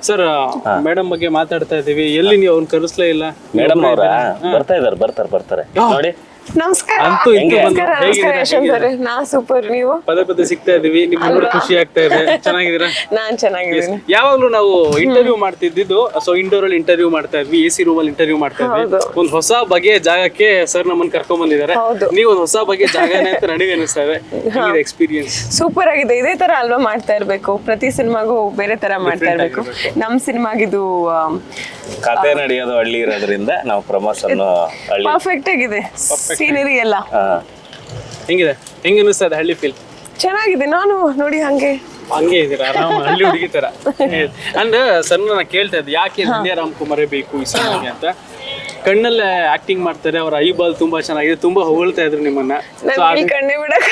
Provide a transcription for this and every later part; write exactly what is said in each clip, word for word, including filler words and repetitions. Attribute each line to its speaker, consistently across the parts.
Speaker 1: Sir madam ಬಗ್ಗೆ ಮಾತಾಡ್ತಾ ಇದೀವಿ, ಎಲ್ಲಿ ನೀವು ಅವ್ನ ಕರೆಸ್ಲೇ ಇಲ್ಲ?
Speaker 2: ಮೇಡಮ್ ಅವರ ಬರ್ತಾ ಇದಾರೆ ಬರ್ತಾರೆ ಬರ್ತಾರೆ ನೋಡಿ.
Speaker 3: ನಮಸ್ಕಾರ.
Speaker 1: ಅಂತೂ ಇಂತೂ ಬಂದು
Speaker 3: ನಮಸ್ಕಾರ ಯಶವಂತ್ ಅವರೇ, ನಾ ಸೂಪರ್. ನೀವು
Speaker 1: ಪದೇ ಪದೇ ಸಿಗ್ತಾ ಇದೀವಿ, ನಿಮ್ ನೋಡಿ ಖುಷಿ ಆಗ್ತಾ ಇದೆ. ಚೆನ್ನಾಗಿದ್ದೀರಾ?
Speaker 3: ನಾನ್ ಚೆನ್ನಾಗಿದ್ದೀನಿ.
Speaker 1: ಯಾವಾಗ್ಲೂ ನಾವು ಇಂಟರ್ವ್ಯೂ ಮಾಡ್ತಿದ್ದು, ಸೊ ಇಂಡೋರ್ ಅಲ್ಲಿ ಇಂಟರ್ವ್ಯೂ ಮಾಡ್ತಾ ಇದ್ವಿ, ಎ ಸಿ ರೂಮ್ ಅಲ್ಲಿ ಇಂಟರ್ವ್ಯೂ ಮಾಡ್ತಾ ಇದ್ವಿ. ಒಂದ್ ಹೊಸ ಬಗೆಯ ಜಾಗಕ್ಕೆ ಸರ್ ನಮ್ಮನ್ನ ಕರ್ಕೊಂಡ್ ಬಂದಿದ್ದಾರೆ. ನೀವು ಒಂದ್ ಹೊಸ ಬಗೆಯ ಜಾಗನೇ ಅಂತ ನನಗೆ ಅನಿಸ್ತಾ ಇದೆ. ಎಕ್ಸ್ಪೀರಿಯನ್ಸ್
Speaker 3: ಸೂಪರ್ ಆಗಿದೆ. ಇದೇ ತರ ಅಲ್ವಾ ಮಾಡ್ತಾ ಇರ್ಬೇಕು, ಪ್ರತಿ ಸಿನಿಮಾಗೂ ಬೇರೆ ತರ ಮಾಡ್ತಾ ಇರ್ಬೇಕು. ನಮ್ ಸಿನಿಮಾಗಿದು
Speaker 2: ಕತೆ ನಡೆಯೋದು ಹಳ್ಳಿ ಇರೋದ್ರಿಂದ ನಾವು ಪ್ರಮೋಷನ್ ಹಳ್ಳಿ
Speaker 3: ಪರ್ಫೆಕ್ಟ್ ಆಗಿದೆ. ಸೀನರಿ ಎಲ್ಲ
Speaker 1: ಹೆಂಗಿದೆ? ಹೆಂಗ ಅನಿಸ್ತಾ ಇದೆ ಹಳ್ಳಿ ಫೀಲ್?
Speaker 3: ಚೆನ್ನಾಗಿದೆ. ನಾನು ನೋಡಿ ಹಂಗೆ
Speaker 1: ಹಂಗೆ ಇದೀರ ಆರಾಮ ಹಳ್ಳಿ ಹುಡುಗಿ ತರ. ಅಂಡ್ ಸರ್ ನಾನು ಕೇಳ್ತಾ ಇದ್ದೆ, ಯಾಕೆ ವಿದ್ಯಾ ರಾಮ್ಕುಮಾರೇ ಬೇಕು ಈ ಸಿನಿಮಾಗೆ ಅಂತ. ಕಣ್ಣಲ್ಲೇ ಆಕ್ಟಿಂಗ್ ಮಾಡ್ತಾರೆ, ಅವ್ರ ಐ ಬಾಲ್ ತುಂಬಾ ಚೆನ್ನಾಗಿದೆ, ತುಂಬಾ ಹೊಗಳ್ತಾ ಇದ್ರು ನಿಮ್ಮನ್ನ.
Speaker 3: ಕಣ್ಣೆ ಬಿಡಕ್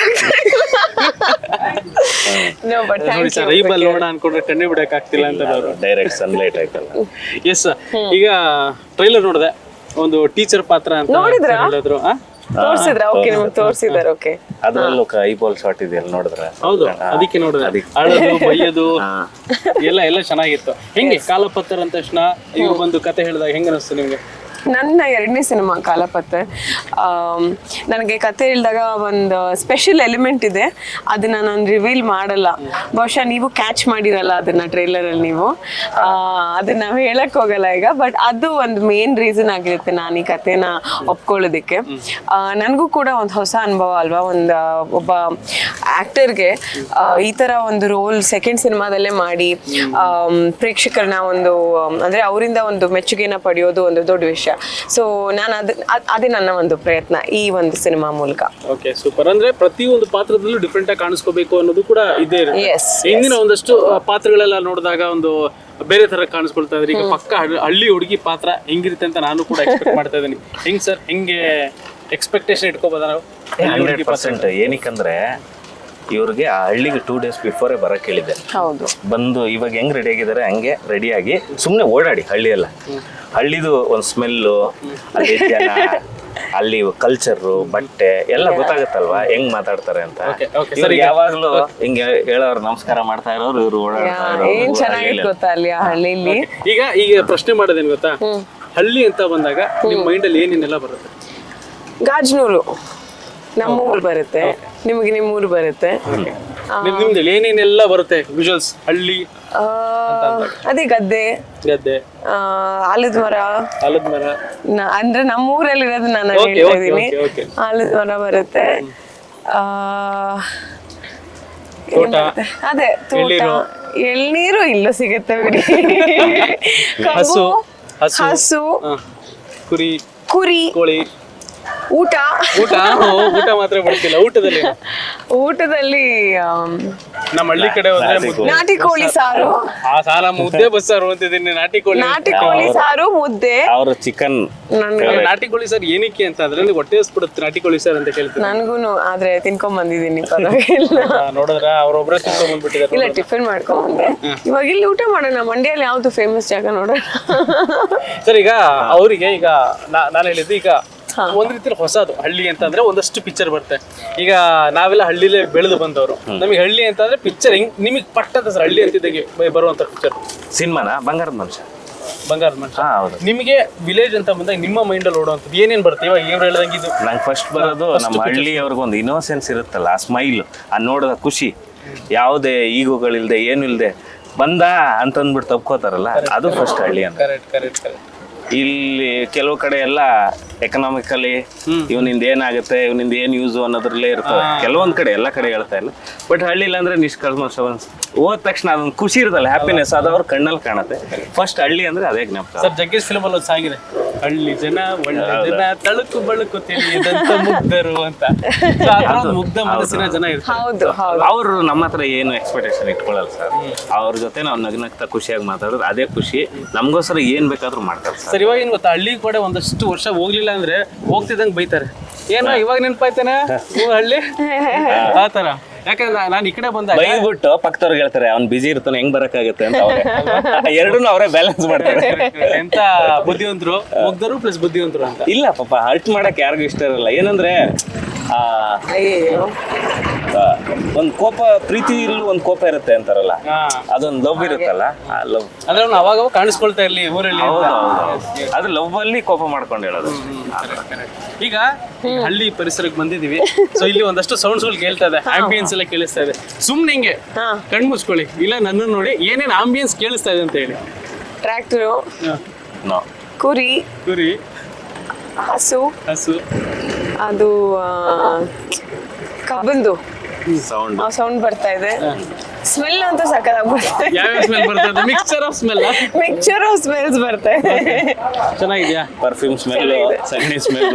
Speaker 1: ನೋಡಿ ಸರ್, ಐ ಬಾಲ್ ನೋಡ ಅನ್ಕೊಂಡ್ರೆ ಕಣ್ಣೆ ಬಿಡಕ್ ಆಗ್ತಿಲ್ಲ ಅಂತ ಅವರು
Speaker 2: ಡೈರೆಕ್ಟ್ ಸನ್ಲೈಟ್ ಆಯ್ತಲ್ಲ.
Speaker 1: ಎಸ್, ಈಗ ಟ್ರೈಲರ್ ನೋಡಿದೆ, ಒಂದು ಟೀಚರ್ ಪಾತ್ರ ಅಂತ ಹೇಳಿದ್ರು.
Speaker 3: ತೋರ್ಸಿದ್ರ? ಓಕೆ, ನಿಮ್ಗೆ ತೋರ್ಸಿದಾರೆ. ಓಕೆ,
Speaker 2: ಅದ್ರಲ್ಲೂ ಐ ಬಾಲ್ ಶಾಟ್ ಇದೆಯಲ್ಲ, ನೋಡಿದ್ರೆ?
Speaker 1: ಹೌದು, ಅದಕ್ಕೆ ನೋಡಿದ್ರೆ ಅಳೋದು ಬೈಯೋದು ಎಲ್ಲ ಎಲ್ಲ ಚೆನ್ನಾಗಿತ್ತು. ಹೆಂಗೆ ಕಾಲಪತ್ರ ಅಂದ ತಕ್ಷಣ ಇವ್ರು ಬಂದು ಕತೆ ಹೇಳಿದಾಗ ಹೆಂಗ ಅನಿಸ್ತು ನಿಮ್ಗೆ?
Speaker 3: ನನ್ನ ಎರಡನೇ ಸಿನಿಮಾ ಕಾಲಪತ್ರ. ನನಗೆ ಕತೆ ಹೇಳಿದಾಗ ಒಂದು ಸ್ಪೆಷಲ್ ಎಲಿಮೆಂಟ್ ಇದೆ, ಅದನ್ನ ನಾನು ರಿವೀಲ್ ಮಾಡಲ್ಲ. ಬಹುಶಃ ನೀವು ಕ್ಯಾಚ್ ಮಾಡಿರಲ್ಲ ಅದನ್ನ ಟ್ರೈಲರಲ್ಲಿ. ನೀವು ಅದನ್ನ ನಾವು ಹೇಳಕ್ ಹೋಗಲ್ಲ ಈಗ, ಬಟ್ ಅದು ಒಂದು ಮೇನ್ ರೀಸನ್ ಆಗಿರುತ್ತೆ ನಾನು ಈ ಕತೆನ ಒಪ್ಕೊಳ್ಳೋದಕ್ಕೆ. ನನಗೂ ಕೂಡ ಒಂದು ಹೊಸ ಅನುಭವ ಅಲ್ವಾ, ಒಂದು ಒಬ್ಬ ಆಕ್ಟರ್ಗೆ ಈ ತರ ಒಂದು ರೋಲ್ ಸೆಕೆಂಡ್ ಸಿನಿಮಾದಲ್ಲೇ ಮಾಡಿ ಪ್ರೇಕ್ಷಕರನ್ನ ಒಂದು ಅಂದ್ರೆ ಅವರಿಂದ ಒಂದು ಮೆಚ್ಚುಗೆನ ಪಡೆಯೋದು ಒಂದು ದೊಡ್ಡ ವಿಷಯ. ಸೊ ನಾನು ಅದ ಅದೇ ನನ್ನ ಒಂದು ಪ್ರಯತ್ನ ಈ ಒಂದು ಸಿನಿಮಾ ಮೂಲಕ.
Speaker 1: Okay, super. ಅಂದ್ರೆ ಪ್ರತಿಯೊಂದು ಪಾತ್ರದಲ್ಲೂ ಡಿಫ್ರೆಂಟ್ ಆಗಿ ಕಾಣಿಸ್ಕೋಬೇಕು ಅನ್ನೋದು ಕೂಡ ಇದೇ ಇರುತ್ತೆ. ಹಿಂದಿನ ಒಂದಷ್ಟು ಪಾತ್ರಗಳೆಲ್ಲ ನೋಡಿದಾಗ ಒಂದು ಬೇರೆ ತರ ಕಾಣಿಸ್ಕೊಳ್ತಾ ಇದ್ರೆ, ಈಗ ಪಕ್ಕ ಹಳ್ಳಿ ಹುಡುಗಿ ಪಾತ್ರ ಹೆಂಗಿರುತ್ತೆ ಅಂತ ನಾನು ಕೂಡ ಎಕ್ಸ್ಪೆಕ್ಟ್ ಮಾಡ್ತಾ ಇದ್ದೀನಿ. ಹೆಂಗ್ ಸರ್, ಹೆಂಗೆ ಎಕ್ಸ್ಪೆಕ್ಟೇಷನ್ ಇಟ್ಕೋಬೋದ ನಾವು?
Speaker 2: Hundred percent. ಏನಕ್ಕಂದ್ರೆ ಇವ್ರಿಗೆ ಆ ಹಳ್ಳಿಗೆ ಟೂ ಡೇಸ್ ಬಿಫೋರೇ ಬರಕ್ ಹೇಳಿದ್ದೆ.
Speaker 3: ಹೌದು,
Speaker 2: ಬಂದು ಇವಾಗ ಹೆಂಗ್ ರೆಡಿ ಆಗಿದ್ದಾರೆ ಹಂಗೆ ರೆಡಿಯಾಗಿ ಸುಮ್ಮನೆ ಓಡಾಡಿ ಹಳ್ಳಿ ಎಲ್ಲ. ಹಳ್ಳಿದು ಒಂದು ಸ್ಮೆಲ್ಲು, ಅಲ್ಲಿ ಜನ, ಅಲ್ಲಿ ಕಲ್ಚರು, ಬಟ್ಟೆ ಎಲ್ಲ ಗೊತ್ತಾಗುತ್ತಲ್ವಾ ಹೆಂಗ್ ಮಾತಾಡ್ತಾರೆ ಅಂತ. ಯಾವಾಗ್ಲೂ ಹಿಂಗೆ ಹೇಳೋರು ನಮಸ್ಕಾರ ಮಾಡ್ತಾ ಇರೋರು, ಇವ್ರು ಓಡಾಡ್ತಾ
Speaker 3: ಏನ್ ಚೆನ್ನಾಗಿ ಗೊತ್ತಾ ಅಲ್ಲಿ ಆ ಹಳ್ಳಿಲಿ.
Speaker 1: ಈಗ ಈಗ ಪ್ರಶ್ನೆ ಮಾಡೋದೇನು ಗೊತ್ತಾ, ಹಳ್ಳಿ ಅಂತ ಬಂದಾಗ ನಿಮ್ ಮೈಂಡ್ ಅಲ್ಲಿ ಏನೇನೆಲ್ಲ ಬರುತ್ತೆ?
Speaker 3: ಗಾಜನೂರು ನಮ್ಮೂರು ಬರುತ್ತೆ, ನಿಮಗೆ ನಿಮ್ಮೂರು ಬರುತ್ತೆ.
Speaker 1: ನಿಮ್ದು ಏನೇನೆಲ್ಲ ಬರುತ್ತೆ ವಿಜುವಲ್ಸ್ ಹಳ್ಳಿ?
Speaker 3: ಅದೇ ಗದ್ದೆ,
Speaker 1: ಗದ್ದೆ,
Speaker 3: ಆಲದ ಮರ.
Speaker 1: ಆಲದ ಮರ
Speaker 3: ಅಂದ್ರೆ ನಮ್ಮೂರಲ್ಲಿ ಇರೋದು ನಾನು ಹೇಳ್ತಾ ಇದ್ದೀನಿ. ಆಲದ ಮರ ಬರುತ್ತೆ, ಅದೇ ತೋಟ, ಎಳ್ನೀರು ಇಲ್ಲೂ ಸಿಗುತ್ತೆ ಬಿಡಿ.
Speaker 1: ಹಸು,
Speaker 3: ಹಸು,
Speaker 1: ಕುರಿ,
Speaker 3: ಕುರಿ,
Speaker 1: ಕೋಳಿ,
Speaker 3: ಊಟ.
Speaker 1: ಊಟ ಊಟ ಮಾತ್ರ ಬರ್ತಿಲ್ಲ. ಊಟದಲ್ಲಿ
Speaker 3: ಊಟದಲ್ಲಿ
Speaker 1: ನಮ್ಮ ಹಳ್ಳಿ ಕಡೆ ಹೋದ್ರೆ
Speaker 3: ನಾಟಿ ಕೋಳಿ ಸಾರು.
Speaker 1: ಆ ಸಾಲ ಮುದ್ದೆ ಬಸ್ಸಾರು ಅಂತಿದ್ದೀನಿ. ನಾಟಿ ಕೋಳಿ,
Speaker 3: ನಾಟಿ ಕೋಳಿ ಸಾರು, ಮುದ್ದೆ.
Speaker 2: ಅವರು ಚಿಕನ್.
Speaker 1: ನಾಟಿ ಕೋಳಿ ಸಾರು ಏನಕ್ಕೆ ಅಂತ ಅಂದ್ರೆ ಹೊಟ್ಟೆ ಹಸ್ಬಿಡುತ್ತೆ ನಾಟಿ ಕೋಳಿ ಸಾರು ಅಂತ ಕೇಳ್ತೀನಿ.
Speaker 3: ನನ್ಗೂನು, ಆದ್ರೆ ತಿನ್ಕೊಂಡ್ ಬಂದಿದ್ದೀನಿ, ಪರವಾಗಿಲ್ಲ.
Speaker 1: ನೋಡಿದ್ರ ಅವ್ರೊಬ್ರೆ ತಿನ್ಕೊಂಡ್ ಬಂದ್ಬಿಟ್ಟಿದ್ದಾರೆ.
Speaker 3: ಇಲ್ಲ, ಟಿಫಿನ್ ಮಾಡ್ಕೊಂಡ್ ಬಂದೆ. ಇವಾಗ ಇಲ್ಲಿ ಊಟ ಮಾಡೋಣ. ಮಂಡ್ಯಲ್ಲಿ ಯಾವ್ದು ಫೇಮಸ್ ಜಾಗ ನೋಡೋಣ.
Speaker 1: ಸರ್, ಈಗ ಅವರಿಗೆ ಈಗ ನಾನು ಹೇಳಿದ್ದು ಈಗ ಒಂದ್ ರೀತಿ ಹೊಸದು ಹಳ್ಳಿ ಅಂತಂದ್ರೆ ಒಂದಷ್ಟು ಪಿಕ್ಚರ್ ಬರುತ್ತೆ. ಈಗ ನಾವೆಲ್ಲ ಹಳ್ಳಿಲೇ ಬೆಳೆದು ಬಂದವರು, ನಮಗೆ ಹಳ್ಳಿ ಅಂತಂದ್ರೆ ಪಿಕ್ಚರ್ ಹೆಂಗ್ ನಿಮಗೆ ಪಟ್ಟದ ಸರ್ ಹಳ್ಳಿ ಅಂತಿದ್ದಾಗೆ ಬರುವಂತ ಪಿಕ್ಚರ್
Speaker 2: ಸಿನಿಮಾನ ಬಂಗಾರದ ಮನುಷ್ಯ.
Speaker 1: ಬಂಗಾರದ ಮನುಷ್ಯ. ನಿಮಗೆ ವಿಲೇಜ್ ಅಂತ ಬಂದಾಗ ನಿಮ್ಮ ಮೈಂಡ್ ಅಲ್ಲಿ ಓಡುವಂಥದ್ದು ಏನೇನ್ ಬರುತ್ತೆ? ಇವಾಗ ಇವ್ರು ಹೇಳ್ದಂಗೆ ಇದು
Speaker 2: ನಂಗೆ ಫಸ್ಟ್ ಬರೋದು ನಮ್ಮ ಹಳ್ಳಿ ಅವ್ರಿಗೊಂದು ಇನ್ನೋಸೆನ್ಸ್ ಇರುತ್ತಲ್ಲ, ಆ ಸ್ಮೈಲ್, ಆ ನೋಡೋದ ಖುಷಿ, ಯಾವುದೇ ಈಗೋಗಳಿಲ್ದೆ ಏನು ಇಲ್ದೆ ಬಂದ ಅಂತಂದ್ಬಿಟ್ಟು ತಪ್ಕೋತಾರಲ್ಲ, ಅದು ಫಸ್ಟ್ ಹಳ್ಳಿ ಅಂತ.
Speaker 1: Correct correct correct.
Speaker 2: ಇಲ್ಲಿ ಕೆಲವು ಕಡೆ ಎಲ್ಲ ಎಕನಾಮಿಕಲಿ ಇವನಿಂದ ಏನಾಗುತ್ತೆ, ಇವನಿಂದ ಏನ್ ಯೂಸ್ ಅನ್ನೋದ್ರಲ್ಲೇ ಇರ್ತದೆ. ಕೆಲವೊಂದ್ ಕಡೆ, ಎಲ್ಲ ಕಡೆ ಹೇಳ್ತಾ ಇಲ್ಲ, ಬಟ್ ಹಳ್ಳಿಲಿ ಅಂದ್ರೆ ನಿಷ್ಕಲ್ಮಶ ಹೋದ ತಕ್ಷಣ ಅದೊಂದು ಖುಷಿ ಇರ್ತಲ್ಲ, ಹ್ಯಾಪಿನೆಸ್, ಅದು ಅವ್ರ ಕಣ್ಣಲ್ಲಿ ಕಾಣುತ್ತೆ. ಫಸ್ಟ್ ಹಳ್ಳಿ ಅಂದ್ರೆ ಅದೇ ಜ್ಞಾಪಕ.
Speaker 1: ಸರ್, ಜಗ್ಗೇಶ್ ಫಿಲ್ಮ್ ಅಲ್ಲಿ ಒಂದು ಸಾಂಗ್ ಇದೆ, ಹಳ್ಳಿ ಜನ ಒಳ್ಳೆ ಜನ ತಳುಕು ಬಳುಕು ತಿಳಿಯದಂತ ಮುಗ್ಧರು ಅಂತ. ಮುಗ್ಧ ಮನಸ್ಸಿನ ಜನ ಇರ್ತಾರೆ.
Speaker 2: ಅವರು ನಮ್ಮ ಹತ್ರ ಏನು ಎಕ್ಸ್ಪೆಕ್ಟೇಷನ್ ಇಟ್ಕೊಳ್ಳಲ್ಲ ಸರ್. ಅವ್ರ ಜೊತೆ ನಾವು ನಗ್ನಗ್ತಾ ಖುಷಿಯಾಗಿ ಮಾತಾಡೋದು ಅದೇ ಖುಷಿ. ನಮ್ಗೋಸ್ಕರ ಏನ್ ಬೇಕಾದ್ರೂ ಮಾಡ್ತಾರೆ ಸರ್.
Speaker 1: ಇವಾಗ ಏನ್ ಗೊತ್ತಾ, ಹಳ್ಳಿ ಕೂಡ ಒಂದಷ್ಟು ವರ್ಷ ಹೋಗ್ಲಿಲ್ಲ ಅಂದ್ರೆ ಹೋಗ್ತಿದ್ದಂಗೆ ಬೈತಾರೆ. ಏನೋ ಇವಾಗ ನೆನಪಾಯ್ತಾನೆ ಹಳ್ಳಿ ಆತರ. ಯಾಕಂದ್ರೆ ನಾನು ಈ ಕಡೆ ಬಂದಾಗ
Speaker 2: ಬೈದ್ಬಿಟ್ಟು ಪಕ್ಕದವ್ರಿಗೆ ಹೇಳ್ತಾರೆ ಅವ್ನು ಬಿಜಿ ಇರ್ತಾನೆ, ಹೆಂಗ್ ಬರಕ್ಕಾಗತ್ತೆ ಅಂತ. ಎರಡೂ ಅವರೇ ಬ್ಯಾಲೆನ್ಸ್ ಮಾಡ್ತಾರೆ.
Speaker 1: ಎಂತ ಬುದ್ಧಿವಂತರು, ಮುಗ್ಧರು ಪ್ಲಸ್ ಬುದ್ಧಿವಂತರು ಅಂತ.
Speaker 2: ಇಲ್ಲ ಪಾಪ, ಹರ್ಟ್ ಮಾಡಕ್ ಯಾರಿಗೂ ಇಷ್ಟ ಇರಲ್ಲ. ಏನಂದ್ರೆ ಆ
Speaker 3: ಅಯ್ಯೋ
Speaker 2: ಒಂದು ಕೋಪ ಪ್ರೀತಿ ಒಂದು ಕೋಪ ಇರುತ್ತೆ ಅಂತಾರಲ್ಲ,
Speaker 1: ಹಾ.
Speaker 2: ಅದೊಂದು ಲವ್ ಇರುತ್ತಲ್ಲ, ಆ ಲವ್
Speaker 1: ಅಂದ್ರೆ ಅವ್ನು ಅವಾಗ ಅವಾಗ ಕಾಣಿಸ್ಕೊಳ್ತಾ ಇರ್ಲಿ ಊರಲ್ಲಿ ಅಂತ.
Speaker 2: ಹೌದು ಅದು ಲವ್ ಅಲ್ಲಿ ಕೋಪ ಮಾಡ್ಕೊಂಡು ಹೇಳೋದು.
Speaker 1: ಈಗ ಈ ಹಳ್ಳಿ ಪರಿಸರಕ್ಕೆ ಬಂದಿದೀವಿ, ಸೊ ಇಲ್ಲಿ ಒಂದಷ್ಟು ಸೌಂಡ್ಸ್ ಗಳು ಕೇಳ್ತಾ ಇದೆ, ಆಂಬಿಯನ್ಸ್ ಎಲ್ಲ ಕೇಳಿಸ್ತಾ ಇದೆ. ಸುಮ್ನೆ ಹಿಂಗೆ
Speaker 3: ಹಾ.
Speaker 1: ಕಣ್ ಮುಚ್ಕೊಳ್ಳಿ, ಇಲ್ಲ ನನ್ನನ್ನು ನೋಡಿ ಏನೇನ್ ಆಂಬಿಯನ್ಸ್ ಕೇಳಿಸ್ತಾ ಇದೆ ಅಂತ ಹೇಳಿ.
Speaker 3: ಟ್ರ್ಯಾಕ್ಟರು,
Speaker 2: ನೋ
Speaker 3: ಕುರಿ,
Speaker 1: ಕುರಿ,
Speaker 3: ಹಸು,
Speaker 1: ಹಸು,
Speaker 3: ಅದು ಆ, ಕಬ್ಬಂದು
Speaker 2: ಸೌಂಡ್
Speaker 3: ಸೌಂಡ್ ಬರ್ತಾ ಇದೆ. ಸ್ಮೆಲ್ ಅಂತೂ ಸಕ್ಕತ್ತಾಗಿ ಬರ್ತಾ ಇದೆ.
Speaker 1: ಯಾವ್ಯಾವ ಸ್ಮೆಲ್ ಬರ್ತಾ ಇದೆ? Mixture of smell.
Speaker 3: Mixture of smells ಬರ್ತಾ ಇದೆ.
Speaker 1: ಚೆನ್ನಾಗಿದ್ಯಾ?
Speaker 2: ಪರ್ಫ್ಯೂಮ್ ಸ್ಮೆಲ್, ಸಗಣಿ ಸ್ಮೆಲ್.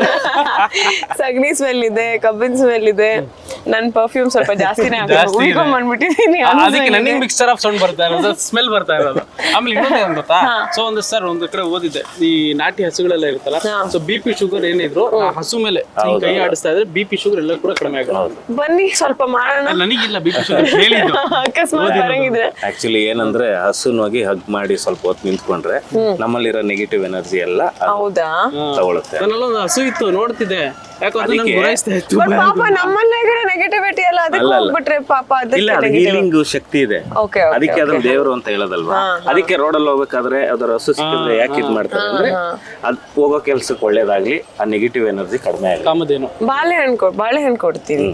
Speaker 3: ಸಗಣಿ ಸ್ಮೆಲ್ ಇದೆ, ಕಬ್ಬಿನ ಸ್ಮೆಲ್ ಇದೆ. ನನ್ ಪರ್ಫ್ಯೂಮ್ ಸ್ವಲ್ಪ ಜಾಸ್ತಿನೇ
Speaker 1: ಜಾಸ್ತಿ ಇದೆ.
Speaker 3: ಬಂದ್ಬಿಟ್ಟಿದೀನಿ.
Speaker 1: ಅದಕ್ಕೆ ನನಗೆ ಮಿಕ್ಸ್ಚರ್ ಆಫ್ ಸೌಂಡ್ ಬರ್ತಾ ಇರೋದು, ಸ್ಮೆಲ್ ಬರ್ತಾ ಇರೋದು. ಆಮೇಲೆ ಇನ್ನೊಂದು ಏನ್ ಗೊತ್ತಾ, ಸೊ ಒಂದು ಸರ್ ಒಂದು ಕಡೆ ಓದಿದ್ದೆ, ಈ ನಾಟಿ ಹಸುಗಳೆಲ್ಲ ಇರುತ್ತಲ್ಲ, ಸೊ ಬಿ ಪಿ ಶುಗರ್ ಏನಿದ್ರು ಆ ಹಸು ಮೇಲೆ ಹಿಂಗ್ ಕೈ ಆಡಿಸ್ತಾ ಇದ್ರೆ ಬಿ ಪಿ ಶುಗರ್ ಎಲ್ಲ ಕೂಡ ಕಡಿಮೆ ಆಗೋದು.
Speaker 3: ಬನ್ನಿ ಸ್ವಲ್ಪ ಮಾಡೋಣ.
Speaker 1: ನನಗಿಲ್ಲ ಬಿ ಪಿ ಶುಗರ್, ಹೇಳಿದ್ದು.
Speaker 3: ಅಕಸ್ಮಾತ್ ಬರಂಗಿದ್ರೆ
Speaker 2: ಆಕ್ಚುಲಿ ಏನಂದ್ರೆ ಹಸುನೋಗಿ ಹಗ್ ಮಾಡಿ ಸ್ವಲ್ಪ ಹೊತ್ತು ನಿಂತ್ಕೊಂಡ್ರೆ ನಮ್ಮಲ್ಲಿರೋ ನೆಗೆಟಿವ್ ಎನರ್ಜಿ ಎಲ್ಲ ಅದು
Speaker 3: ಹೌದಾ?
Speaker 2: ತಗೊಳುತ್ತೆ.
Speaker 1: ನನ್ನೆಲ್ಲ ಒಂದು ಹಸು ಇತ್ತು, ನೋಡ್ತಿದ್ದೆ, ಯಾಕಂದ್ರೆ ನಂಗೆ ಗುರಾಯಿಸ್ತಾ ಇತ್ತು.
Speaker 3: ಬಟ್ ಪಾಪ ನಮ್ಮಲ್ಲೇ ನೆಗೆಟಿವಿಟಿ ಎಲ್ಲ ಅದಕ್ಕೆ ಹೋಗ್ಬಿಟ್ರೆ ಪಾಪ
Speaker 2: ಇಲ್ಲ, ಅದು
Speaker 3: ಅದಕ್ಕೆ
Speaker 2: ಹೀಲಿಂಗ್ ಶಕ್ತಿ ಇದೆ,
Speaker 3: ಓಕೆ
Speaker 2: ಅದಕ್ಕೆ ಅದನ್ನ ದೇವರು ಅಂತ ಹೇಳೋದಲ್ವಾ. ಅದಕ್ಕೆ ರೋಡಲ್ಲಿ ಹೋಗ್ಬೇಕಾದ್ರೆ ಅದರ ಹಸು ಸಿಕ್ಕಿದ್ರೆ ಯಾಕೆ ಇದ್ ಮಾಡ್ತಾರೆ ಅಂದ್ರೆ ಅದ್ ಹೋಗೋ ಕೆಲ್ಸಕ್ಕೆ ಒಳ್ಳೇದಾಗ್ಲಿ, ಆ ನೆಗೆಟಿವ್ ಎನರ್ಜಿ ಕಡಿಮೆ ಆಗಲಿ.
Speaker 1: ಕಾಮಧೇನು
Speaker 3: ಬಾಳೆಹಣ್ಣು ಕೊಡ್ ಬಾಳೆಹಣ್ಣು ಕೊಡ್ತೀನಿ.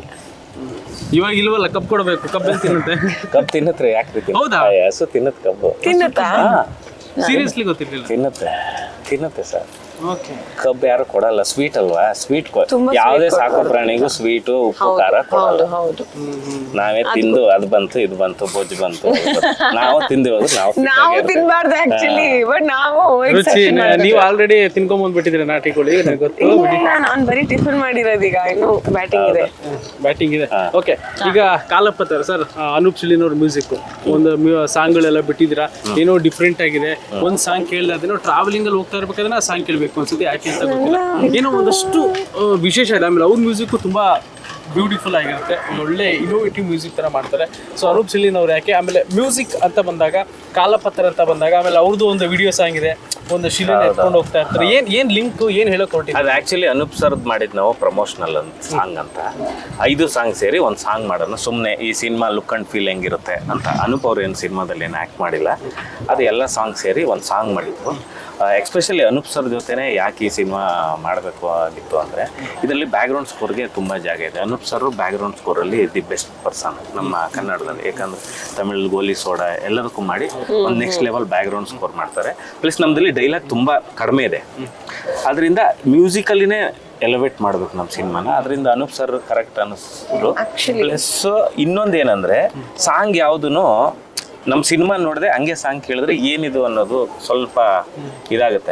Speaker 1: ಇವಾಗ ಇಲ್ವಲ್ಲ, ಕಪ್ ಕೊಡ್ಬೇಕು, ಕಬ್ಬಲ್ಲಿ ತಿನ್ನುತ್ತೆ.
Speaker 2: ಕಬ್ಬು ತಿನ್ನತ್ರೆ ಯಾಕೆ
Speaker 1: ಹೌದಾ?
Speaker 2: ಹಸು ತಿನ್ನತ್ ಕಬ್ಬು
Speaker 3: ತಿನ್ನತ್ತಾ?
Speaker 1: ಸೀರಿಯಸ್ಲಿ ಗೊತ್ತಿರ್ಲಿಲ್ಲ.
Speaker 2: ತಿನ್ನತ್ತೆ ತಿನ್ನತ್ತೆ ಸರ್.
Speaker 1: ಓಕೆ.
Speaker 2: ಕಬ್ಬು ಯಾರು ಕೊಡಲ್ಲ, ಸ್ವೀಟ್ ಅಲ್ವಾ, ಸ್ವೀಟ್
Speaker 3: ತುಂಬಾ
Speaker 2: ಯಾವುದೇ
Speaker 3: sweet
Speaker 2: ಸಾಕು ಪ್ರಾಣಿಗೂ ಸ್ವೀಟು ಉಪ್ಪು ಖಾರ ಕೊಡಲ್ಲ.
Speaker 3: ಹೌದು ಹೌದು.
Speaker 2: ನಾವೇ ತಿಂದು ಅದ್ ಬಂತು ಇದು ಬಂತು ಬೊಜ್ಜು ಬಂತು ಅದು ಬಂತು. ನಾವು ತಿಂದು ಹೋದ್ರೆ ನಾವು fit
Speaker 3: ನಾವು
Speaker 2: ಆಗಿರ್ತೀವಿ.
Speaker 3: ತಿನ್ಬಾರ್ದು ಆಕ್ಚುಲಿ, ಬಟ್ ನಾವು
Speaker 1: ರುಚಿ ನೀವು ಆಲ್ರೆಡಿ ತಿನ್ಕೊಂಡ್ ಬಂದ್ಬಿಟ್ಟಿದ್ರೆ ನಾಟಿ ಕೋಳಿ, ನನಗೆ ಗೊತ್ತು.
Speaker 3: ನಾನು ಬರೀ ಟಿಫನ್ ಮಾಡಿರೋದು, ಈಗ ಇನ್ನು ಬ್ಯಾಟಿಂಗ್ ಇದೆ.
Speaker 1: ಬ್ಯಾಟಿಂಗ್ ಇದೆ. ಓಕೆ, ಈಗ ಕಾಲಪ್ಪತ್ತರ ಸರ್, ಅನೂಪ್ ಸಿಳ್ಳಿನವ್ರ ಮ್ಯೂಸಿಕ್ ಒಂದು ಸಾಂಗ್ಗಳೆಲ್ಲ ಬಿಟ್ಟಿದ್ದೀರಾ, ಏನೋ ಡಿಫ್ರೆಂಟ್ ಆಗಿದೆ. ಒಂದ್ ಸಾಂಗ್ ಕೇಳಿದ್ರೆ ಅದೇನೋ ಟ್ರಾವೆಲಿಂಗ್ ಅಲ್ಲಿ ಹೋಗ್ತಾ ಇರ್ಬೇಕಾದ್ರೆ ಆ ಸಾಂಗ್ ಕೇಳ್ಬೇಕು ಅನ್ಸುತ್ತೆ, ಯಾಕೆ ಅಂತ ಗೊತ್ತಿಲ್ಲ. ಏನೋ ಒಂದಷ್ಟು ಆ, ವಿಶೇಷ ಇದೆ. ಆಮೇಲೆ ಅವ್ರ ಮ್ಯೂಸಿಕ್ ತುಂಬಾ ಬ್ಯೂಟಿಫುಲ್ ಆಗಿರುತ್ತೆ, ಒಂದು ಒಳ್ಳೆ ಇನೋವೇಟಿವ್ ಮ್ಯೂಸಿಕ್ ತರ ಮಾಡ್ತಾರೆ. ಸೊ ಅನೂಪ್ ಸಿಳ್ಳಿನವ್ರು ಯಾಕೆ, ಆಮೇಲೆ ಮ್ಯೂಸಿಕ್ ಅಂತ ಬಂದಾಗ, ಕಾಲಪತ್ರ ಅಂತ ಬಂದಾಗ, ಆಮೇಲೆ ಅವ್ರದ್ದು ಒಂದು ವಿಡಿಯೋ ಸಾಂಗ್ ಇದೆ, ಒಂದು ಶಿಲೆನ ಎತ್ಕೊಂಡು ಹೋಗ್ತಾ ಇರ್ತಾರೆ. ಏನ್ ಏನ್ ಲಿಂಕ್, ಏನ್ ಹೇಳಕ್ ಹೊರಟಿದೆ?
Speaker 2: ಅದು ಆಕ್ಚುಲಿ ಅನೂಪ್ ಸರ್ದ್ ಮಾಡಿದ್ ನಾವು ಪ್ರಮೋಷನಲ್ ಅಂತ ಸಾಂಗ್ ಅಂತ, ಐದು ಸಾಂಗ್ ಸೇರಿ ಒಂದು ಸಾಂಗ್ ಮಾಡೋಣ ಸುಮ್ಮನೆ, ಈ ಸಿನಿಮಾ ಲುಕ್ ಅಂಡ್ ಫೀಲ್ ಹೆಂಗಿರುತ್ತೆ ಅಂತ. ಅನೂಪ್ ಅವ್ರು ಏನು ಸಿನಿಮಾದಲ್ಲಿ ಏನು ಆ್ಯಕ್ಟ್ ಮಾಡಿಲ್ಲ, ಅದು ಎಲ್ಲ ಸಾಂಗ್ ಸೇರಿ ಒಂದು ಸಾಂಗ್ ಮಾಡಿದ್ರು. ಎಕ್ಸ್ಪೆಷಲಿ ಅನೂಪ್ ಸರ್ ಜೊತೆನೇ ಯಾಕೆ ಈ ಸಿನಿಮಾ ಮಾಡಬೇಕು ಆಗಿತ್ತು ಅಂದರೆ, ಇದರಲ್ಲಿ ಬ್ಯಾಕ್ಗ್ರೌಂಡ್ ಸ್ಕೋರ್ಗೆ ತುಂಬ ಜಾಗ ಇದೆ. ಅನೂಪ್ ಸರ್ ಬ್ಯಾಕ್ಗ್ರೌಂಡ್ ಸ್ಕೋರಲ್ಲಿ ದಿ ಬೆಸ್ಟ್ ಪರ್ಸನ್ ನಮ್ಮ ಕನ್ನಡದಲ್ಲಿ, ಯಾಕಂದರೆ ತಮಿಳ್ ಗೋಲಿ ಸೋಡಾ ಎಲ್ಲದಕ್ಕೂ ಮಾಡಿ ಒಂದು ನೆಕ್ಸ್ಟ್ ಲೆವೆಲ್ ಬ್ಯಾಕ್ಗ್ರೌಂಡ್ ಸ್ಕೋರ್ ಮಾಡ್ತಾರೆ. ಪ್ಲಸ್ ನಮ್ಮದಲ್ಲಿ ಡೈಲಾಗ್ ತುಂಬ ಕಡಿಮೆ ಇದೆ, ಅದರಿಂದ ಮ್ಯೂಸಿಕಲ್ಲಿನೇ ಎಲಿವೇಟ್ ಮಾಡ್ಬೇಕು ನಮ್ಮ ಸಿನಿಮಾನ. ಅದರಿಂದ ಅನೂಪ್ ಸರ್ ಕರೆಕ್ಟ್ ಅನ್ನಿಸ್ರು. ಪ್ಲಸ್ ಇನ್ನೊಂದು ಏನಂದರೆ, ಸಾಂಗ್ ಯಾವುದೂ ನಮ್ಮ ಸಿನಿಮಾ ನೋಡಿದ್ರೆ ಹಂಗೆ ಸಾಂಗ್ ಕೇಳಿದ್ರೆ ಏನಿದು ಅನ್ನೋದು ಸ್ವಲ್ಪ ಇದಾಗುತ್ತೆ.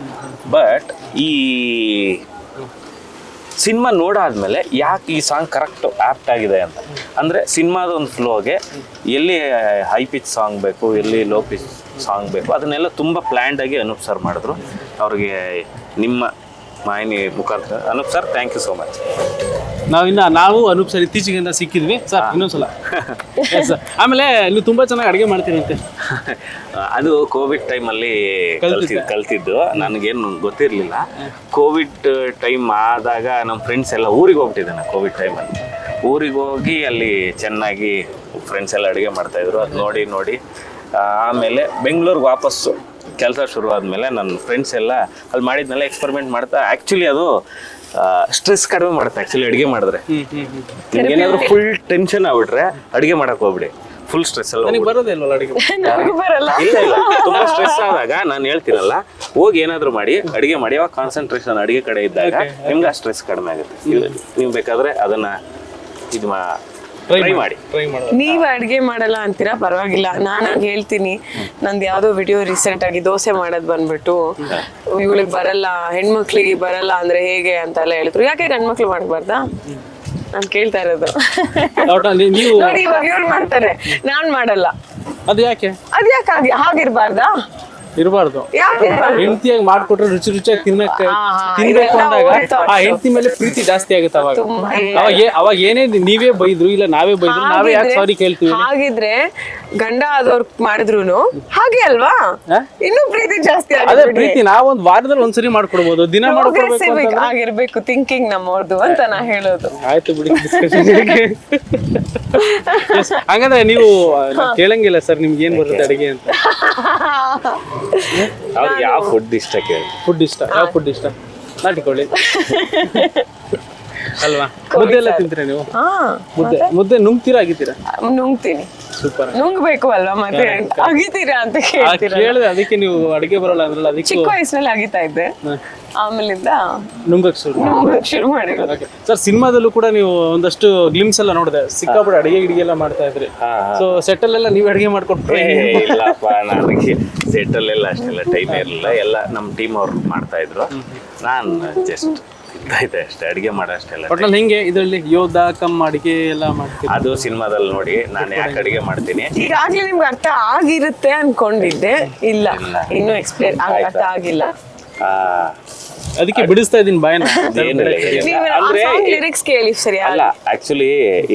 Speaker 2: ಬಟ್ ಈ ಸಿನಿಮಾ ನೋಡಾದ್ಮೇಲೆ ಯಾಕೆ ಈ ಸಾಂಗ್ ಕರೆಕ್ಟ್ ಆ್ಯಪ್ಟ್ ಆಗಿದೆ ಅಂತ ಅಂದರೆ, ಸಿನಿಮಾದ ಒಂದು ಫ್ಲೋಗೆ ಎಲ್ಲಿ ಹೈ ಪಿಚ್ ಸಾಂಗ್ ಬೇಕು, ಎಲ್ಲಿ ಲೋ ಪಿಚ್ ಸಾಂಗ್ ಬೇಕು, ಅದನ್ನೆಲ್ಲ ತುಂಬ ಪ್ಲ್ಯಾಂಡಾಗಿ ಅನೂಪ್ ಸರ್ ಮಾಡಿದ್ರು. ಅವ್ರಿಗೆ ನಿಮ್ಮ ಮಾಹಿನಿ ಮುಖಾಂತರ Anoop sir thank you so much.
Speaker 1: ನಾವಿನ್ನ ನಾವು ಅನೂಪ್ ಸರ್ ಇತ್ತೀಚೆಗಿಂದ ಸಿಕ್ಕಿದ್ವಿ ಸರ್, ಇನ್ನೊಂದ್ಸಲ. ಸರ್ ಆಮೇಲೆ ನೀವು ತುಂಬಾ ಚೆನ್ನಾಗಿ ಅಡುಗೆ ಮಾಡ್ತೀರಂತೆ.
Speaker 2: ಅದು ಕೋವಿಡ್ ಟೈಮಲ್ಲಿ ಕಲ್ತಿದ್ದು ಕಲ್ತಿದ್ದು ನನಗೇನು ಗೊತ್ತಿರಲಿಲ್ಲ. ಕೋವಿಡ್ ಟೈಮ್ ಆದಾಗ ನಮ್ಮ ಫ್ರೆಂಡ್ಸ್ ಎಲ್ಲ ಊರಿಗೆ ಹೋಗ್ಬಿಟ್ಟಿದ್ದಾನೆ. ಕೋವಿಡ್ ಟೈಮಲ್ಲಿ ಊರಿಗೆ ಹೋಗಿ ಅಲ್ಲಿ ಚೆನ್ನಾಗಿ ಫ್ರೆಂಡ್ಸ್ ಎಲ್ಲ ಅಡುಗೆ ಮಾಡ್ತಾಯಿದ್ರು. ಅದು ನೋಡಿ ನೋಡಿ ಆಮೇಲೆ ಬೆಂಗಳೂರಿಗೆ ವಾಪಸ್ಸು ಕೆಲಸ ಶುರು ಆದಮೇಲೆ ನನ್ನ ಫ್ರೆಂಡ್ಸ್ ಎಲ್ಲ ಅಲ್ಲಿ ಮಾಡಿದ್ಮೇಲೆ ಎಕ್ಸ್ಪೆರಿಮೆಂಟ್ ಮಾಡ್ತಾ, ಆ್ಯಕ್ಚುಲಿ ಅದು ಸ್ಟ್ರೆಸ್ ಕಡಿಮೆ ಮಾಡುತ್ತೆ. ಆ್ಯಕ್ಚುಲಿ ಅಡುಗೆ ಮಾಡಿದ್ರೆ ನಿಮ್ಗೆ ಏನಾದರೂ ಫುಲ್ ಟೆನ್ಷನ್ ಆಗ್ಬಿಟ್ರೆ ಅಡುಗೆ ಮಾಡಕ್ಕೆ ಹೋಗ್ಬಿಡಿ, ಫುಲ್ ಸ್ಟ್ರೆಸ್ ಎಲ್ಲ
Speaker 1: ಬರೋದೇ ಇಲ್ವಲ್ಲ ಅಡುಗೆ?
Speaker 2: ಇಲ್ಲ ಇಲ್ಲ ತುಂಬಾ ಸ್ಟ್ರೆಸ್ ಆದಾಗ ನಾನು ಹೇಳ್ತೀನಲ್ಲ, ಹೋಗಿ ಏನಾದರೂ ಮಾಡಿ ಅಡುಗೆ ಮಾಡಿ, ಅವಾಗ ಕಾನ್ಸಂಟ್ರೇಷನ್ ಅಡುಗೆ ಕಡೆ ಇದ್ದಾಗ ನಿಮ್ಗೆ ಆ ಸ್ಟ್ರೆಸ್ ಕಡಿಮೆ ಆಗುತ್ತೆ. ನೀವು ಬೇಕಾದ್ರೆ ಅದನ್ನ ಇದು ಟ್ರೈ ಮಾಡಿ
Speaker 1: ಟ್ರೈ ಮಾಡಿ.
Speaker 3: ನೀವು ಅಡುಗೆ ಮಾಡಲ್ಲ ಅಂತೀರಾ, ಪರವಾಗಿಲ್ಲ, ನಾನು ಹೇಳ್ತೀನಿ. ನಂದು ಯಾವುದೋ ವಿಡಿಯೋ ರೀಸೆಂಟ್ ಆಗಿ ದೋಸೆ ಮಾಡೋದು ಬಂದ್ಬಿಟ್ಟು, ಇವಳಿಗೆ ಬರಲ್ಲ, ಹೆಣ್ಮಕ್ಳಿಗೆ ಬರಲ್ಲ ಅಂದ್ರೆ ಹೇಗೆ ಅಂತೆಲ್ಲ ಹೇಳಿದ್ರು. ಯಾಕೆ ಗಂಡ್ಮಕ್ಳು ಮಾಡಬಾರ್ದಾ? ನಾನು ಕೇಳ್ತಾ ಇರೋದು.
Speaker 1: ನೀವು
Speaker 3: ನೋಡಿ ಇವಾಗ ಇವ್ರು ಮಾಡ್ತಾರೆ, ನಾನ್ ಮಾಡಲ್ಲ,
Speaker 1: ಅದು ಯಾಕೆ?
Speaker 3: ಅದ್ ಯಾಕೆ ಹಾಗಿರ್ಬಾರ್ದಾ?
Speaker 1: ಇರಬಾರ್ದು.
Speaker 3: ಯಾಕೆ
Speaker 1: ಹೆಂಡತಿಯಾಗಿ ಮಾಡ್ಕೊಟ್ರೆ ರುಚಿ ರುಚಿಯಾಗಿ ತಿನ್ನಕ್ಕೆ
Speaker 3: ಹಾ, ಹಾ,
Speaker 1: ತಿನ್ಬೇಕು
Speaker 3: ಇದೆಲ್ಲ
Speaker 1: ಅಂದಾಗ
Speaker 3: old thoughts.
Speaker 1: ಆ ಹೆಂಡತಿ ಮೇಲೆ ಪ್ರೀತಿ ಜಾಸ್ತಿ ಆಗುತ್ತೆ ಅವಾಗ.
Speaker 3: ತುಂಬಾ.
Speaker 1: ಅವಾಗ ಏ- ಅವಾಗ ಏನೇ ನೀವೇ ಬೈದ್ರು ಇಲ್ಲ ನಾವೇ ಬೈದ್ರು ನಾವೇ ಯಾಕೆ ಸಾರಿ ಕೇಳ್ತೀವಿ?
Speaker 3: ಹಾಗಿದ್ರೆ ಗಂಡ ಆದವ್ರು ಮಾಡಿದ್ರು ಹಾಗೆ ಅಲ್ವಾ,
Speaker 1: ಹಾ?
Speaker 3: ಇನ್ನೂ ಪ್ರೀತಿ ಜಾಸ್ತಿ
Speaker 1: ಅದೇ
Speaker 3: ಆಗಿಬಿಡಿ.
Speaker 1: ಪ್ರೀತಿ ನಾವೊಂದ್ ವಾರದಲ್ಲಿ ಒಂದ್ಸರಿ ಮಾಡ್ಕೊಡ್ಬೋದು, ದಿನ ಮಾಡ್ಕೊಡ್ಬೇಕು
Speaker 3: Progressive
Speaker 1: ಅಂತಂದ್ರೆ-
Speaker 3: ಆಗಿರ್ಬೇಕು ಥಿಂಕಿಂಗ್ ನಮ್ಮವ್ರದ್ದು ಅಂತ ನಾ ಹೇಳೋದು.
Speaker 1: ಆಯ್ತು ಬಿಡಿ discussion ಗೆ. Yes, ಹಂಗಂದ್ರೆ ನೀವು ನಾನ್ ಕೇಳಂಗಿಲ್ಲ ಸರ್ ನಿಮ್ಗೆ ಏನ್ ಬರುತ್ತೆ ಅಡಿಗೆ ಅಂತ.
Speaker 2: ಅವ್ರಿಗೆ ಯಾವ ಫುಡ್ ಇಷ್ಟ ಕೇಳಿ.
Speaker 1: ಫುಡ್ ಇಷ್ಟ, ಯಾವ ಫುಡ್ ಇಷ್ಟ? ನಾಟಿಕೊಳ್ಳಿ ಅಲ್ವಾ? ಮುದ್ದೆ ಎಲ್ಲ ತಿಂತೀರಾ ನೀವು?
Speaker 3: ಹಾ,
Speaker 1: ಮುದ್ದೆ ಮುದ್ದೆ ನುಂಗ್ತೀರಾ ಆಗಿದ್ದೀರಾ?
Speaker 3: ನುಂಗ್ತೀನಿ.
Speaker 1: ಸೂಪರ್.
Speaker 3: ನುಂಗ್ಬೇಕು ಅಲ್ವಾ, ಮತ್ತೆ ಅಗಿತೀರಾ ಅಂತ ಕೇಳ್ತೀರಾ?
Speaker 1: ಕೇಳಿದೆ ಅದಕ್ಕೆ ನೀವು ಅಡಿಗೆ ಬರಲ್ಲ ಅಂದ್ರಲ್ಲ ಅದಕ್ಕೆ
Speaker 3: ಚಿಕ್ಕ ವಯಸ್ಸಿನಲ್ಲಿ ಅಗಿತಾ ಇದ್ದೆ, ಆಮೇಲಿಂದ
Speaker 1: ನುಂಗಕ್ ಶುರು.
Speaker 3: ನುಂಗಕ್ ಶುರು ಮಾಡಿರೋದು.
Speaker 1: ಸರ್ ಸಿನಿಮಾದಲ್ಲೂ ಕೂಡ ನೀವು ಒಂದಷ್ಟು ಗ್ಲಿಮ್ಸ್ ಎಲ್ಲ ನೋಡಿದೆ, ಸಿಕ್ಕಾಪಟ್ಟೆ ಅಡಿಗೆ ಗಿಡಿಗೆ ಎಲ್ಲ ಮಾಡ್ತಾ ಇದ್ರಿ. ಸೊ ಸೆಟಲ್ ಎಲ್ಲ ನೀವು ಅಡಿಗೆ ಮಾಡ್ಕೊಟ್ರೆ
Speaker 2: ಏ, ಇಲ್ಲಪ್ಪ, ನನಗೆ ಸೆಟಲ್ಲೆಲ್ಲ ಅಷ್ಟೆಲ್ಲ ಟೈಮ್ ಇರಲಿಲ್ಲ. ಎಲ್ಲ ನಮ್ಮ ಟೀಮ್ ಅವ್ರು ಮಾಡ್ತಾ ಇದ್ರು, ನಾನು ಜಸ್ಟ್ ಇದ್ದ ಇದ್ದೆ ಅಷ್ಟೇ, ಅಡಿಗೆ ಮಾಡೋ ಅಷ್ಟೆಲ್ಲ.
Speaker 1: ಒಟ್ನಲ್ಲಿ ಹೆಂಗೆ ಇದರಲ್ಲಿ ಯೋಧ ಕಮ್ ಅಡಿಗೆ ಎಲ್ಲ ಮಾಡ್ತೀವಿ?
Speaker 2: ಅದು ಸಿನಿಮಾದಲ್ಲಿ ನೋಡಿ ನಾನು ಯಾಕೆ ಅಡಿಗೆ ಮಾಡ್ತೀನಿ.
Speaker 3: ಈಗಾಗ್ಲೇ ನಿಮ್ಗೆ ಅರ್ಥ ಆಗಿರುತ್ತೆ ಅನ್ಕೊಂಡಿದ್ದೆ, ಇಲ್ಲ ಇನ್ನೂ ಎಕ್ಸ್ಪ್ಲೇನ್ ಅರ್ಥ ಆಗಿಲ್ಲ.
Speaker 2: ಆ,
Speaker 1: ಅದಕ್ಕೆ ಬಿಡಿಸ್ತಾ ಇದೀನಿ ಬಾಯನ್ನ.
Speaker 2: ಏನಿಲ್ಲ, ಏನಿಲ್ಲ.
Speaker 3: ನೀವು
Speaker 2: ಅಂದ್ರೆ
Speaker 3: ಲಿರಿಕ್ಸ್ ಕೇಳಿ ಸರಿ.
Speaker 2: ಅಲ್ಲ, ಆಕ್ಚುಲಿ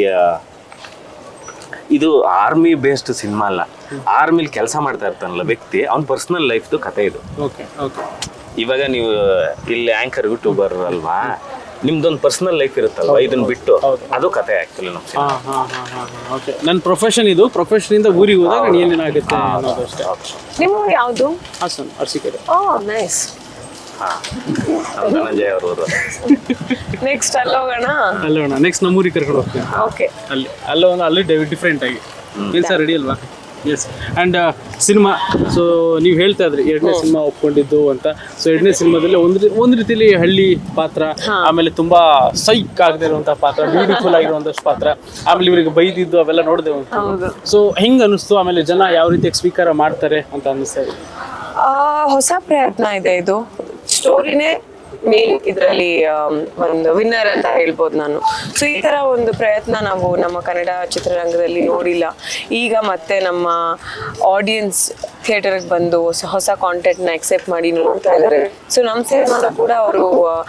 Speaker 2: ಇದು ಆರ್ಮಿ ಬೇಸ್ಡ್ ಸಿನಿಮಾ ಅಲ್ಲ. ಆರ್ಮಿಲಿ ಕೆಲಸ ಮಾಡ್ತಾ ಇರ್ತಾನಲ್ಲ ವ್ಯಕ್ತಿ, ಅವ್ನ ಪರ್ಸನಲ್ ಲೈಫ್ದು ಕತೆ ಇದು.
Speaker 1: Okay okay.
Speaker 2: ಇವಾಗ ನೀವು ಇಲ್ಲಿ ಆಂಕರ್ ಯೂಟ್ಯೂಬರ್ ಅಲ್ವಾ, ನಿಮ್ದೊಂದು ಪರ್ಸನಲ್ ಲೈಫ್ ಇರುತ್ತಲ್ವಾ, ಇದನ್ನ ಬಿಟ್ಟು ಅದು ಕತೆ ಆಕ್ಚುಲಿ ನಮ್ಮ
Speaker 1: ಹಾ ಹಾ ಹಾ ಹಾ ಓಕೆ. ನನ್ನ ಪ್ರೊಫೆಷನ್ ಇದು, ಪ್ರೊಫೆಷನ್ ಇಂದ ಊರಿಗೆ ಹೋದಾಗ ನಾನು ಏನೇನಾಗುತ್ತೆ ಅನ್ನೋದು ಅಷ್ಟೇ.
Speaker 3: ನಿಮ್ಮ ಯಾವುದು?
Speaker 1: ಹಾಸನ್ ಅರ್ಸಿಕೆರೆ.
Speaker 3: Oh nice.
Speaker 2: ಹಾ, ನಮ್ಮ ಧನಂಜಯ ಅವರು.
Speaker 3: ನೆಕ್ಸ್ಟ್ ಅಲ್ಲಿ ಹೋಗೋಣ.
Speaker 1: ಅಲ್ಲೇ ಹೋಗೋಣ, ನೆಕ್ಸ್ಟ್ ನಮ್ಮ ಊರಿಗೆ ಕರ್ಕೊಂಡು ಹೋಗ್ತೀನಿ.
Speaker 3: ಓಕೆ.
Speaker 1: ಅಲ್ಲಿ ಅಲ್ಲ ಒಂದು ಅಲ್ಲಿ ಡಿಫ್ರೆಂಟ್ ಆಗಿ ಕೆಲಸ ರೆಡಿ ಅಲ್ವಾ? ಎಸ್. ಆ್ಯಂಡ್ ಸಿನಿಮಾ, ಸೊ ನೀವು ಹೇಳ್ತಾ ಇದ್ರಿ ಎರಡನೇ ಸಿನಿಮಾ ಒಪ್ಕೊಂಡಿದ್ದು ಅಂತ. ಸೊ ಎರಡನೇ ಸಿನಿಮಾದಲ್ಲಿ ಒಂದು ಒಂದು ರೀತಿಯಲ್ಲಿ ಹಳ್ಳಿ ಪಾತ್ರ, ಆಮೇಲೆ ತುಂಬಾ ಸೈಕ್ ಆಗದೆ ಇರುವಂತಹ ಪಾತ್ರ, ಬ್ಯೂಟಿಫುಲ್ ಆಗಿರುವಂತಷ್ಟು ಪಾತ್ರ, ಆಮೇಲೆ ಇವರಿಗೆ ಬೈದಿದ್ದು ಅವೆಲ್ಲ ನೋಡಿದೆವು.
Speaker 3: ಹೌದು.
Speaker 1: ಸೊ ಹೆಂಗ್ ಅನಿಸ್ತು? ಆಮೇಲೆ ಜನ ಯಾವ ರೀತಿ ಸ್ವೀಕಾರ ಮಾಡ್ತಾರೆ ಅಂತ ಅನ್ನಿಸ್ತಾ ಇದೆ?
Speaker 3: ಆ, ಹೊಸ ಪ್ರಯತ್ನ ಇದೆ ಇದು. ಸ್ಟೋರಿನೇ ಮೇನ್ ಇದರಲ್ಲಿ ಒಂದು ವಿನ್ನರ್ ಅಂತ ಹೇಳ್ಬೋದು ನಾನು. ಸೊ ಈ ತರ ಒಂದು ಪ್ರಯತ್ನ ನಾವು ನಮ್ಮ ಕನ್ನಡ ಚಿತ್ರರಂಗದಲ್ಲಿ ನೋಡಿಲ್ಲ. ಈಗ ಮತ್ತೆ ನಮ್ಮ ಆಡಿಯನ್ಸ್ ಥಿಯೇಟರ್ಗೆ ಬಂದು ಹೊಸ ಹೊಸ ಕಾಂಟೆಂಟ್ನ ಎಕ್ಸೆಪ್ಟ್ ಮಾಡಿ ನೋಡ್ತಾ ಇದ್ದಾರೆ. ಸೊ ನಮ್ಮ ಸಿನಿಮಾನ ಕೂಡ ಅವರು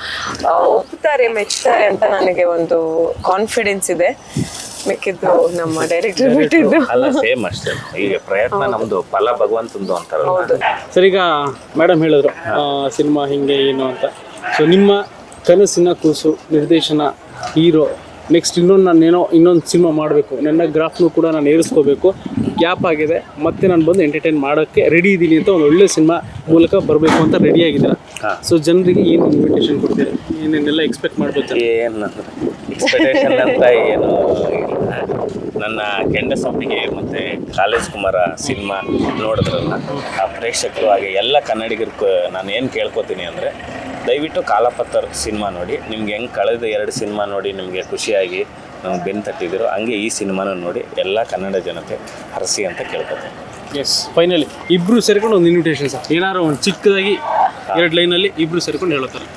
Speaker 3: ಒಪ್ತಾರೆ, ಮೆಚ್ತಾರೆ ಅಂತ ನನಗೆ ಒಂದು ಕಾನ್ಫಿಡೆನ್ಸ್ ಇದೆ. ಮಿಕ್ಕಿದ್ದು ನಮ್ಮ ಡೈರೆಕ್ಟರ್ ಬಿಟ್ಟಿದ್ದು.
Speaker 2: ಅಲ್ಲ, ಸೇಮ್ ಅಷ್ಟೇ. ಈಗ ಪ್ರಯತ್ನ ನಮ್ದು, ಫಲ ಭಗವಂತಂದು ಅಂತಾರಲ್ಲ.
Speaker 3: ಹೌದು.
Speaker 1: ಸರ್ ಈಗ ಮೇಡಮ್ ಹೇಳಿದ್ರು ಸಿನಿಮಾ ಹಿಂಗೆ ಏನು ಅಂತ. ಸೊ ನಿಮ್ಮ ಕನಸಿನ ಕೂಸು, ನಿರ್ದೇಶನ, ಹೀರೋ, ನೆಕ್ಸ್ಟ್ ಇನ್ನೊಂದು ನಾನು ಏನೋ ಇನ್ನೊಂದು ಸಿನಿಮಾ ಮಾಡಬೇಕು, ನನ್ನ ಗ್ರಾಫ್ನು ಕೂಡ ನಾನು ಏರಿಸ್ಕೋಬೇಕು, ಗ್ಯಾಪ್ ಆಗಿದೆ, ಮತ್ತೆ ನಾನು ಬಂದು ಎಂಟರ್ಟೈನ್ ಮಾಡೋಕ್ಕೆ ರೆಡಿ ಇದ್ದೀನಿ ಅಂತ ಒಂದು ಒಳ್ಳೆ ಸಿನಿಮಾ ಮೂಲಕ ಬರಬೇಕು ಅಂತ ರೆಡಿ ಆಗಿದ್ದೀರಾ. ಸೊ ಜನರಿಗೆ ಏನು ಇನ್ವಿಟೇಷನ್ ಕೊಡ್ತೀರಾ? ಏನೇನೆಲ್ಲ ಎಕ್ಸ್ಪೆಕ್ಟ್ ಮಾಡ್ಬೋದು?
Speaker 2: ಏನು ಎಕ್ಸ್ಪೆಕ್ಟೇಷನ್ ಅಂತ ಏನು ಇಲ್ಲ. ನನ್ನ ಕೆಂಡಸಂಪಿಗೆ ಮತ್ತು ಕಾಲೇಜ್ ಕುಮಾರ ಸಿನಿಮಾ ನೋಡಿದ್ರಲ್ಲ, ಆ ಪ್ರೇಕ್ಷಕರು ಹಾಗೆ ಎಲ್ಲ ಕನ್ನಡಿಗರು ನಾನು ಏನು ಕೇಳ್ಕೊತೀನಿ ಅಂದರೆ, ದಯವಿಟ್ಟು ಕಾಲಪತ್ರ ಸಿನಿಮಾ ನೋಡಿ. ನಿಮ್ಗೆ ಹೆಂಗೆ ಕಳೆದ ಎರಡು ಸಿನಿಮಾ ನೋಡಿ ನಿಮಗೆ ಖುಷಿಯಾಗಿ ನಮ್ಗೆ ಬೆನ್ನು ತಟ್ಟಿದ್ರು, ಹಂಗೆ ಈ ಸಿನಿಮಾನ ನೋಡಿ ಎಲ್ಲ ಕನ್ನಡ ಜನತೆ ಹರಸಿ ಅಂತ ಕೇಳ್ಕೊತೀನಿ.
Speaker 1: ಎಸ್, ಫೈನಲಿ ಇಬ್ರು ಸೇರ್ಕೊಂಡು ಒಂದು ಇನ್ವಿಟೇಷನ್ ಸರ್, ಏನಾದ್ರು ಒಂದು ಚಿಕ್ಕದಾಗಿ ಎರಡು ಲೈನಲ್ಲಿ ಇಬ್ರು ಸೇರ್ಕೊಂಡು ಹೇಳ್ತಾರೆ.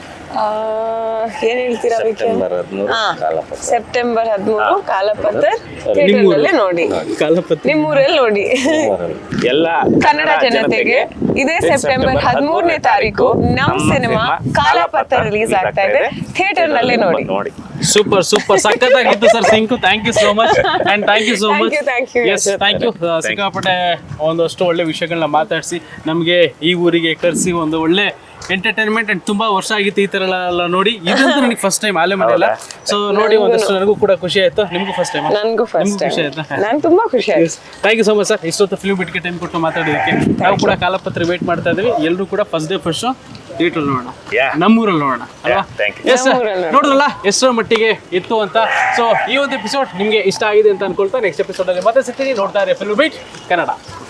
Speaker 3: ಏನ್ ಹೇಳ್ತೀರಾ?
Speaker 2: ಸೆಪ್ಟೆಂಬರ್ ಹದಿಮೂರು ಕಾಲಪತ್ರ.
Speaker 3: ಸೆಪ್ಟೆಂಬರ್ ಹದಿಮೂರು ಕಾಲಪತ್ರ ಥಿಯೇಟರ್ನಲ್ಲೇ ನೋಡಿ,
Speaker 1: ಕಾಲಪತ್ರ
Speaker 3: ನಿಮ್ಮೂರಲ್ಲಿ ನೋಡಿ.
Speaker 2: ಎಲ್ಲ
Speaker 3: ಕನ್ನಡ ಜನತೆಗೆ ಇದೇ ಸೆಪ್ಟೆಂಬರ್ ಹದಿಮೂರನೇ ತಾರೀಕು ನಮ್ಮ ಸಿನಿಮಾ ಕಾಲಪತ್ರ ರಿಲೀಸ್ ಆಗ್ತಾ ಇದೆ, ಥಿಯೇಟರ್ ನಲ್ಲೇ ನೋಡಿ.
Speaker 2: ನೋಡಿ.
Speaker 1: ಸೂಪರ್ ಸೂಪರ್ ಸಖತ್ತಾಗಿತ್ತು ಸರ್. ಸಿಂಕು, thank you so much and thank you so much.
Speaker 3: Thank you.
Speaker 1: Yes, thank you. ಸಿಕ್ಕಾಪಟ್ಟೆ ಒಂದಷ್ಟು ಒಳ್ಳೆ ವಿಷಯಗಳನ್ನ ಮಾತಾಡಿಸಿ ನಮಗೆ ಈ ಊರಿಗೆ ಕರೆಸಿ ಒಂದು ಒಳ್ಳೆ ಎಂಟರ್ಟೈನ್ಮೆಂಟ್ ಅಂಡ್ ತುಂಬಾ ವರ್ಷ ಆಗಿತ್ತು ಈ ತರ ಎಲ್ಲ ನೋಡಿ. ಇದಂತೂ ನನಗೆ ಫಸ್ಟ್ ಟೈಮ್ ಆಲೆ ಮನೆಯಲ್ಲ. ಸೊ ನೋಡಿ ಒಂದಷ್ಟು ನನಗೂ ಕೂಡ ಖುಷಿ ಆಯ್ತು, ನಿಮಗೂ ಫಸ್ಟ್ ಟೈಮ್?
Speaker 3: ನನಗೂ ಫಸ್ಟ್ ಟೈಮ್
Speaker 1: ಖುಷಿ ಆಯ್ತಾ?
Speaker 3: ನಂಗೆ ತುಂಬಾ ಖುಷಿ ಆಯ್ತು.
Speaker 1: Thank you so much sir, ಇಷ್ಟೊತ್ತು ಫಿಲ್ಮ್ ಬಿಟ್ಗೆ ಟೈಮ್ ಕೊಟ್ಟು ಮಾತಾಡೋದಕ್ಕೆ. ನಾವು ಕೂಡ ಕಾಲಪತ್ರ ವೇಟ್ ಮಾಡ್ತಾ ಇದ್ದೀವಿ. ಎಲ್ಲರೂ ಕೂಡ first day first show theatre ನೋಡೋಣ, ನಮ್ಮೂರಲ್ಲಿ ನೋಡೋಣ ಅಲ್ವಾ? ಎಸ್ ಸರ್, ನೋಡಿದ್ರಲ್ಲ ಎಷ್ಟರ ಮಟ್ಟಿಗೆ ಇತ್ತು ಅಂತ. ಸೊ ಈ ಒಂದು ಎಪಿಸೋಡ್ ನಿಮಗೆ ಇಷ್ಟ ಆಗಿದೆ ಅಂತ ಅನ್ಕೊಳ್ತಾ ನೆಕ್ಸ್ಟ್ ಎಪಿಸೋಡ್ ಅಲ್ಲಿ ಮತ್ತೆ ಸಿಗ್ತೀನಿ. ನೋಡ್ತಾ ಇರಿ ಫಿಲ್ಮ್ ಬೀಟ್ ಕನ್ನಡ.